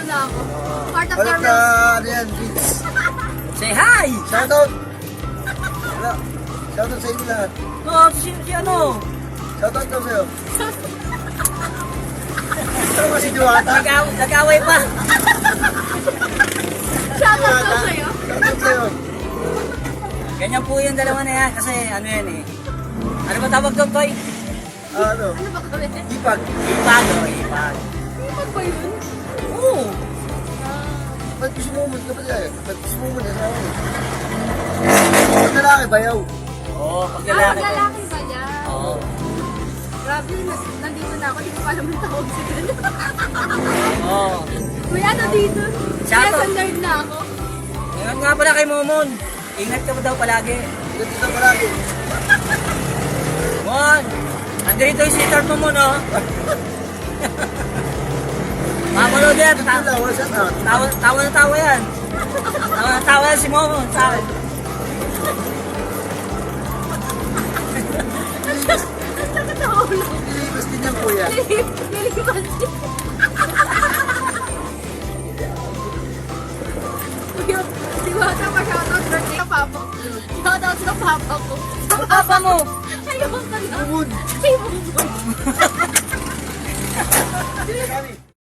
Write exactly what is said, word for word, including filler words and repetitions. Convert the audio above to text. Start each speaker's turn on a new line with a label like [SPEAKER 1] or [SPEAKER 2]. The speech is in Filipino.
[SPEAKER 1] na ako. Part of
[SPEAKER 2] Balik
[SPEAKER 1] the
[SPEAKER 2] ka,
[SPEAKER 1] roast.
[SPEAKER 2] ano yan, Vince.
[SPEAKER 3] Say hi!
[SPEAKER 2] Shoutout! Wala. Shoutout sa inyo lahat.
[SPEAKER 3] Oh, si, si ano?
[SPEAKER 2] Shoutout daw sa'yo. Ito ba si Diwata?
[SPEAKER 3] Nag- Nag-away pa.
[SPEAKER 1] Shoutout ko sa'yo.
[SPEAKER 2] Shoutout sa'yo.
[SPEAKER 3] Ganyan po yung dalawa na yan kasi ano yan eh. Ano ba tawag doon, Toy?
[SPEAKER 2] Ah, ano?
[SPEAKER 1] Ano ba kami?
[SPEAKER 2] Ipag.
[SPEAKER 3] Ipag, oh, ipag.
[SPEAKER 1] Ano ba yun?
[SPEAKER 3] Oo.
[SPEAKER 2] Ba't gusto mo umunod ka ba dyan? Ba't gusto mo umunod ka? Pag lalaki, bayaw.
[SPEAKER 3] Oo, pag
[SPEAKER 1] Ah,
[SPEAKER 3] lalaki.
[SPEAKER 1] maglalaki ba niya?
[SPEAKER 3] Oo.
[SPEAKER 1] Grabe, nas- nandito na ako. Hindi ko pa naman tawag si Glenn.
[SPEAKER 3] Oo.
[SPEAKER 1] May ano dito?
[SPEAKER 3] Shoutout.
[SPEAKER 1] Kaya sa nerd na ako.
[SPEAKER 3] Ingat nga pala kay Momon. Ingat ka pa daw palagi.
[SPEAKER 2] Ganito ka palagi.
[SPEAKER 3] Mon! Andito yung sweetheart mo, Mon, oh. Mamanood yan.
[SPEAKER 2] Ito
[SPEAKER 3] Ta-
[SPEAKER 2] lang, wala siya na.
[SPEAKER 3] tawa, tawa na tawa yan. Tawa na tawa yan si Momon sa akin.
[SPEAKER 1] Nakatawa lang.
[SPEAKER 2] Nilipas din yan, kuya.
[SPEAKER 1] Nilipas din. Kuya, di ba ito pa shoutout birthday ka papa? Shoutout sa papa ko. Sa
[SPEAKER 3] Papa mo!
[SPEAKER 1] Ayun ka na.
[SPEAKER 2] Bumud.
[SPEAKER 1] Ay, bumbu.
[SPEAKER 2] Kami.